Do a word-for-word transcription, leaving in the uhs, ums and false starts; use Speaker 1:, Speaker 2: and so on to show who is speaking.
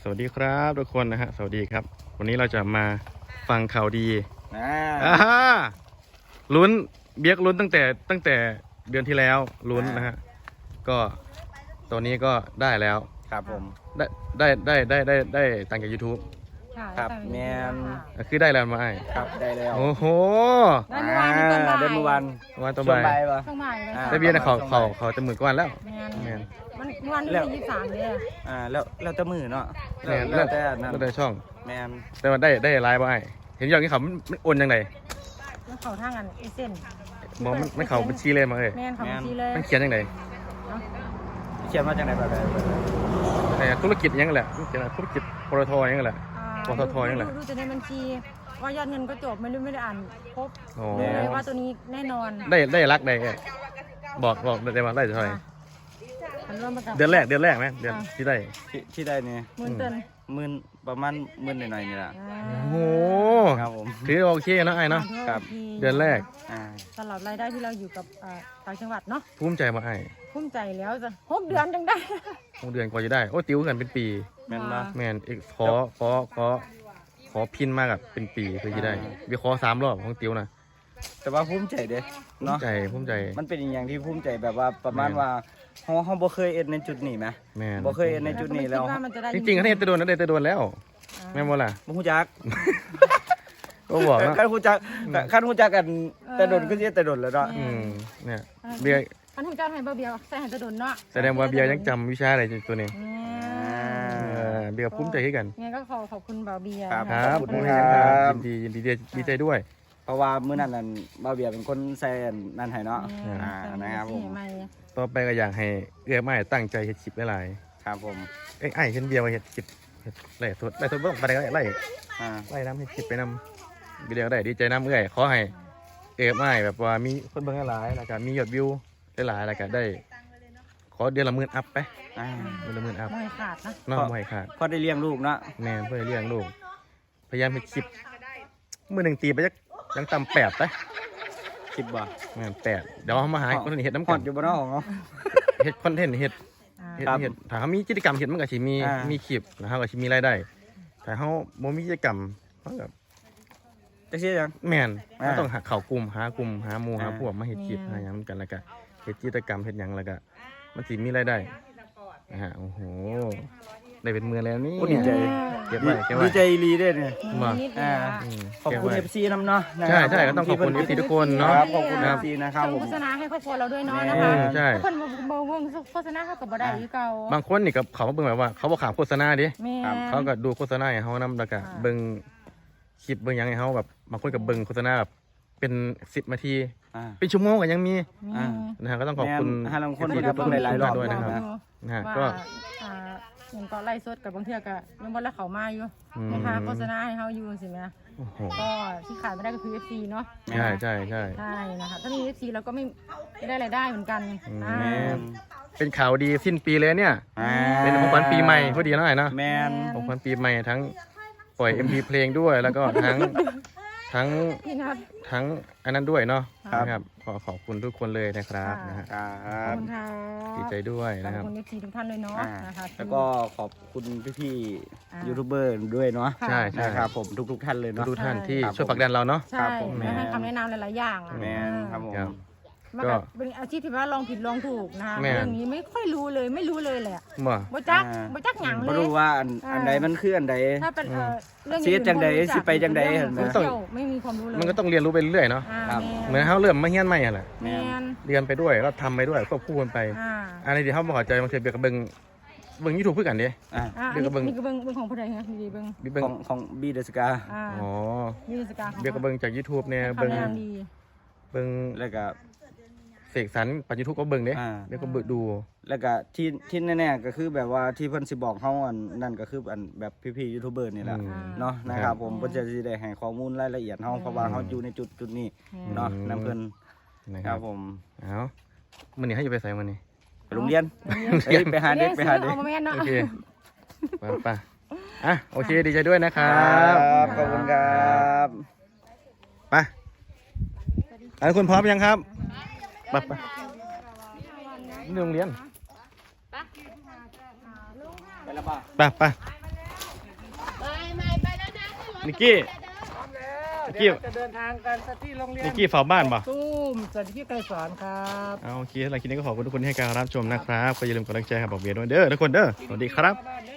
Speaker 1: วัสดีครับทุกคนนะฮะสวัสดีครับวันนี้เราจะมาฟังข่าวดี
Speaker 2: อ่า
Speaker 1: อ่าลุ้นเบียกลุ้นตั้งแต่ตั้งแต่เดือนที่แล้วลุ้นนะฮะก็ตัวนี้ก็ได้แล้ว
Speaker 2: ครับผม
Speaker 1: ได้ได้ได้ได้ได้ได้ตังค์จาก YouTube
Speaker 2: ครับแมน
Speaker 1: อ่ะคือได้แล้วมาไอ้
Speaker 2: ครับได้แล้ว
Speaker 1: โอ้โห
Speaker 3: ได้เมื่อวานนี้ตอนบ่าย
Speaker 2: ได้เมื่อวาน
Speaker 1: วันต่อ
Speaker 2: ช่วง
Speaker 1: ไป
Speaker 2: บ่ายปะ
Speaker 3: ช่วงบ่ายเลย
Speaker 2: อ่า
Speaker 3: ค่ะ
Speaker 1: ได้เบียร์นะเขาเขาเขาจะหมื่นกว่าแล้ว
Speaker 3: แมน
Speaker 1: แมน
Speaker 3: มันเมื่อวานที่
Speaker 2: แล้ว
Speaker 3: ยี่สิบสามเลยอะ
Speaker 2: อ่าแล้วแล้วแต่มือเนาะ
Speaker 1: แมน
Speaker 2: แล้วแต่นั่น
Speaker 1: แล้วแต่ช่อง
Speaker 2: แมน
Speaker 1: แต่ว่าได้ได้ไลน์มาไอ้เห็นอย่างนี้เขามันมันโอนยังไง
Speaker 3: แล้วเขาทางกันไอเส้น
Speaker 1: มองมันมันเขาบัญชีเลยมาเอ้ย
Speaker 3: แมนเขาบัญชีเลย
Speaker 1: มันเขียนยังไง
Speaker 3: เนาะ
Speaker 2: เขียนมาจากไหนแบบไหน
Speaker 1: ไอ้ธุรกิจยังไงแหละธุรกิจอะไรธุรกิจปตทยังไงแหละ
Speaker 3: อ่า
Speaker 1: ปตทยังไง
Speaker 3: ดูดูจะในบัญชีว่ายอดเงินก็จบไม่รู้ไม่ได้อ่านครบ
Speaker 1: โอ้
Speaker 3: รู้เลยว่าตัวนี้แน่นอน
Speaker 1: ได้ได้รักได้ไงบอกบอกได้มาได้เท่าไหร่
Speaker 3: อ่ะมันเริ่มมากับ
Speaker 1: เดือนแรกเดือนแรกไหมเดือนที่ได้
Speaker 2: ที่ที่ได้เนี่ย
Speaker 3: หมื่นเติน
Speaker 2: หมื่นประมาณหมื่นหน่อยๆนี่แหละ
Speaker 3: อ่า
Speaker 1: โอ้โห
Speaker 2: ครับผม
Speaker 1: ถือโอเคนะไอ้เนาะ
Speaker 2: ครับ
Speaker 3: ที
Speaker 1: เดือนแรก
Speaker 2: อ่า
Speaker 3: สำหรับรายได้ที่เราอยู่กับอ่าต่างจังหวัดเนาะ
Speaker 1: ภูมิใจมาไอ้
Speaker 3: ภูมิใจแล้วจะหกเดือนจังได้
Speaker 1: หกเดือนกว่าจะได้โอ้ติวกันเป็นปี
Speaker 2: แมนปะ
Speaker 1: แมนเอกขอขอขอขอพินมากกับเป็นปีคือจะได้วิเคราะห์สามรอบของติวนะ
Speaker 2: แต่ว่าภูมิใจเด้
Speaker 1: ภูมิ
Speaker 2: เนาะ
Speaker 1: ใจภูมิใจ
Speaker 2: มันเป็นอย่างที่ภูมิใจแบบว่าประมาณว่าเฮาเฮาบ่เคยเอ็ดในจุดนี้ไหม
Speaker 1: แมน
Speaker 2: บ่เคยเอ็ดในจุดนี้แล้ว
Speaker 3: เราก็ไม่คิดว่ามันจะได้
Speaker 1: จริงๆเขาเนี่ยจะโดนนะได้จะโดนแล้วแม่นบ่ล่ะ
Speaker 2: บ่ฮู้จัก
Speaker 1: ก็บอกว่า
Speaker 2: คันฮู้จักคันฮู้จักกันแต่โดนก็สิแต่โดนแล้วเนาะ
Speaker 1: อืมเนี่ยเบียร์
Speaker 3: อันทุกเจ้าให้เบาเบียวใส่ให้จะโดนเนาะ
Speaker 1: แสดงว่าเบียร์ยังจำวิชาอะไรตัวนี้
Speaker 3: อืม
Speaker 1: เออเบียร์ภูมิใจให้กัน
Speaker 3: งั้นก็ขอขอบคุณเบาเบียร์
Speaker 2: ครับ
Speaker 1: ค
Speaker 3: นะ
Speaker 1: รั
Speaker 3: คะ
Speaker 1: บ
Speaker 2: ขอบ
Speaker 1: ผ
Speaker 2: คุ
Speaker 1: ม
Speaker 2: ณ
Speaker 1: เอง
Speaker 2: ค
Speaker 1: ค
Speaker 2: รั
Speaker 1: รับบ ยินดียินดีดีใจด้วย
Speaker 2: เพราะว่ามื้อนั้นนั่นบ่าวเบียร์เป็นคนใส่อันนั่นให้เนาะ
Speaker 3: อืม
Speaker 2: อ่านะครับผม
Speaker 3: ใหม่
Speaker 1: ต่อไปก็อยากให้เอื้อไม้ตั้งใจเฮ็ดคลิปหลาย
Speaker 2: ครับผม
Speaker 1: ๆเอ้ยไอ้เห็นเบียร์มาเฮ็ดคลิปเฮ็ดไล่สดไล่สดบ่ต้องไปไหนก็ได้ไล่
Speaker 2: อ่า
Speaker 1: ไล่น้ำเฮ็ดคลิปไปนำวิดีโอได้ดีใจน้ำเอื้อยขอให้เอื้อไม้แบบว่ามีคนเบิ่งหลายๆแล้วก็มียอดวิวหลายๆแล้วก็ได้ ขอเดือนละหมื่นอัพไป
Speaker 2: อ่า
Speaker 1: เดือนละหมื่นอัพ
Speaker 3: ๆไม่ขาดนะ
Speaker 1: น้องบ่ให้ขาด
Speaker 2: พอได้เลี้ยงลูกเนาะ
Speaker 1: แม่นเพื่อเลี้ยงลูกพยายามเฮ็ดคลิปมื้อหนึงตีไปจักยังต่ำแปดไป
Speaker 2: คิดบ่
Speaker 1: แม่นแปดเดี๋ยวเอามาหาคนอื่นเฮ็ดน้ำ
Speaker 2: ฮ
Speaker 1: กั
Speaker 2: อน ดอยู่บ่เนาะของเนาะ
Speaker 1: เฮ็ดคอนเทนต์เฮ็ด
Speaker 3: อ่า
Speaker 1: เฮ็ด
Speaker 2: ครับ
Speaker 1: เฮ็ดถ้าเขามีกิจกรรมเฮ็ดมันก็สิมี
Speaker 2: อ่ามี
Speaker 1: มีคลิปนะฮะก็สิมีรายได้แต่เขาบ่มีกิจกรรมเขาก็
Speaker 2: จักซี่จัง
Speaker 1: แม่น
Speaker 2: อ่า
Speaker 1: เขาต้องหาเข้ากลุ่มหากลุ่มหาหมู่หา
Speaker 2: อ่า
Speaker 1: พวกมาเฮ็ดคลิปหาหยังกันแล้วก็เฮ็ดกิจกรรมเฮ็ดหยังแล้วก็มันสิมีรายได้นะฮะโอ้โหได้เป็นหมื่นแล้วนี่
Speaker 2: โอ้ดีใจ
Speaker 1: เก็บไว้เก็บไว้
Speaker 2: ดีใจอีหลีเด้เนี่ย
Speaker 1: มา
Speaker 3: นิดๆ
Speaker 2: อ่า
Speaker 3: นะ
Speaker 1: อืม
Speaker 2: ขอบคุณ
Speaker 1: เก็
Speaker 2: เอ
Speaker 1: ไว้
Speaker 2: ฟซีนำเนาะนะ
Speaker 1: ใช่
Speaker 2: รับ
Speaker 1: ใช่ก็ต้องขอบคุณ
Speaker 2: ที่
Speaker 1: เอฟซี
Speaker 2: เพิ่น
Speaker 1: ทุกคนเนาะ
Speaker 2: ครับขอบคุณ
Speaker 1: ค
Speaker 2: เอ
Speaker 1: รับ
Speaker 2: ฟซีนะครับ
Speaker 3: ส่ง
Speaker 2: ผม
Speaker 3: โฆษณาให้ครอบครัวเราด้วยเนาะ
Speaker 2: แม่
Speaker 3: นะคะ
Speaker 1: ใช่
Speaker 3: ทุกคนบอกวงโฆษณาเขากับบ่ได้อยู่เก่า
Speaker 1: บางคนนี่กับเขามาเบิ่งแบบว่า เขาบ่ขามโฆษณาดิ
Speaker 3: แม่
Speaker 1: เขาก็ดูโฆษณาให้เฮานำแล้วก็
Speaker 3: อ่า
Speaker 1: เบิ่งคลิปเบิ่งหยังให้เฮาแบบบางคนก็เบิ่งโฆษณาแบบเป็นสิบนาที
Speaker 2: อ่า
Speaker 1: เป็นชั่วโมงก็ยังมี
Speaker 3: อืม
Speaker 1: นะฮะก็ต้องขอบคุณ
Speaker 2: แม่นให้บางคน
Speaker 1: เอฟซี
Speaker 2: ก็เบิ่งหลายๆรอบ
Speaker 1: ด้วยนะครับ
Speaker 2: นะ
Speaker 1: นะฮะ
Speaker 3: ว่า
Speaker 1: ก็
Speaker 3: อ่าเห็นก็ไล่สดกับบางเทื่อก็ยังบ่ละเขามาอยู่
Speaker 1: อืม
Speaker 3: นะคะโฆษณาให้เฮาอยู่สิแม่
Speaker 1: โอ้โห
Speaker 3: ก็ที่ขาดไม่ได้ก็คือ เอฟ ซี เนาะ
Speaker 1: ใช่ใช่ใช่
Speaker 3: ใช่นะคะถ้ามี เอฟ ซี เราก็ไม่ไม่ได้รายได้เหมือนกัน
Speaker 1: อืม
Speaker 3: อ่า
Speaker 2: แมน
Speaker 1: เป็นข่าวดีสิ้นปีเลยเนี่ย
Speaker 2: อ่า
Speaker 1: เป็นของขวัญปีใหม่พอดีหน่อยเนาะ
Speaker 2: แมน
Speaker 1: ของขวัญปีใหม่ทั้งปล่อย เอ็ม พี เพลงด้วยแล้วก็ทั้งทั้ง
Speaker 3: พี่นัท
Speaker 1: ทั้งอันนั้นด้วยเนาะ
Speaker 3: ครับ
Speaker 1: นะครับขอขอบคุณทุกคนเลยนะครับ
Speaker 3: ค่ะ
Speaker 1: นะฮะ
Speaker 2: ครั
Speaker 3: ขอบบ คุณค่ะ
Speaker 1: ดีใจด้วย
Speaker 3: ขอบ
Speaker 1: นะครับ
Speaker 3: คุณ เอฟ ซี ทุกท่านเลยเนาะ
Speaker 2: อ่า
Speaker 3: นะคะ
Speaker 2: แล้วก็ขอบคุณพี่
Speaker 3: อ่า
Speaker 2: ๆยูทูบเบอร์ด้วยเนาะ
Speaker 3: ค่ะ
Speaker 1: ใช่ใช่
Speaker 2: นะครับผมทุกๆท่านเลยเนาะ
Speaker 1: ทุกท่านที่
Speaker 2: ครับ
Speaker 1: ช่วยผลักดันเราเนาะ
Speaker 3: ใช่
Speaker 2: ครับผม
Speaker 3: และให้คำแนะนำหลาย ๆ อย่างอะ
Speaker 2: แมนครับผม
Speaker 1: ครับ
Speaker 3: มัน
Speaker 1: ก็
Speaker 3: ก็เป็นอาชีพที่ว่าลองผิดลองถูกนะคะ
Speaker 1: แม่น
Speaker 3: เรื่องนี้ไม่ค่อยรู้เลยไม่รู้เลยแหละ
Speaker 1: บ่
Speaker 3: บ่จัก
Speaker 2: อ่า
Speaker 3: บ่จักหยังเล
Speaker 2: บ่
Speaker 3: ย
Speaker 2: รู้ว่าอัน
Speaker 3: อ่า
Speaker 2: อันใดมันคืออันใด
Speaker 3: ถ้าเป็นเอ่อเรื่อง
Speaker 2: สิเฮ็ดจังใด
Speaker 3: อื่น
Speaker 2: สิไปจังใด
Speaker 3: เรื่อง
Speaker 2: เห็นไหม
Speaker 3: โซเชียลไม่มีความรู้เลย
Speaker 1: มันก็ต้องเรียนรู้ไปเรื่อยๆเนาะ
Speaker 3: อ่า
Speaker 2: ครับ
Speaker 1: เหมือนเขาเริ่มมาเฮียนใหม่อะแหละ
Speaker 3: แมน
Speaker 1: เรียนไปด้วยแล้วทำไปด้วยควบคู่กันไป
Speaker 3: อ่า
Speaker 1: อันนี้ที่เขาบอกใจบางทีเบียร์กับเบิงเบิงยูทูบเพื่อกันดิ
Speaker 2: อ่า
Speaker 3: อ่า
Speaker 1: เดี๋ยวก็เบิ่ง
Speaker 3: นี่ก็เบิ่งเบิ่งของผู้ใดฮะดีๆเบิ่ง
Speaker 1: เบิง
Speaker 2: ของของบีเดสกา
Speaker 3: อ่า
Speaker 1: อ๋อ
Speaker 3: นี่สกาของ
Speaker 1: เบียร์กับเบิงจาก YouTube เนี่ย
Speaker 3: คำ
Speaker 1: เบิง
Speaker 3: แนะนำดี
Speaker 1: เบิง
Speaker 2: แล้วก็
Speaker 1: เสกสรรปัจจุบันก็เบิงเด้
Speaker 2: อ่า
Speaker 1: เบียร์ก็เบิงดู
Speaker 2: แล้วก็ที่ที่แน่ๆก็คือแบบว่าที่เพิ่นสิบอกเฮาอันนั่นก็คืออันแบบพี่ๆยูทูบเบอร์นี่แหละ
Speaker 1: อืม
Speaker 2: เนาะนะครับผมเพิ่นจะสิได้ให้ข้อมูลรายละเอียดเฮาเพราะว่าเฮาอยู่ในจุดจุดนี้เนาะนํเพิ่น
Speaker 1: นะค
Speaker 2: ค
Speaker 1: รั
Speaker 2: รั
Speaker 1: บบ
Speaker 2: ผม
Speaker 1: เอามันนี่ให้อยู่ไปใส่มันนี่
Speaker 2: ไปโรงเรียนเฮ้ยไปหาเด็กไปหาเด็ก
Speaker 3: เอามาแม่นเนาะ
Speaker 1: โอเคไปไปอ่ะโอเคดีใจด้วยนะค
Speaker 2: ค
Speaker 1: รั
Speaker 2: รับ บขอบคุณครับ
Speaker 1: ไปอันคุณพร้อมยังครับไปไปนี่โรงเรียน
Speaker 2: ไปแล้วป่ะ
Speaker 1: ไปไปนิกกี้
Speaker 4: พร้อมแล้ว
Speaker 1: เกี่
Speaker 4: เดี๋
Speaker 1: ย
Speaker 4: ยว วจะเดินทางกันที่โรงเรียน
Speaker 1: นิกกี้เฝ้าบ้านป่ะ
Speaker 4: ตุ้มสวัสดีพี่ไกรสอนครับ
Speaker 1: เอาโอเคสำหรับคลิปนี้ก็ขอบคุณทุกคนที่ให้การรับชมนะครับก็อย่าลืมกดไลค์แชร์ครับบอกเบียร์ด้วยเด้อทุกคนเด้อสวัสดีครับ
Speaker 4: บ้านเด้อ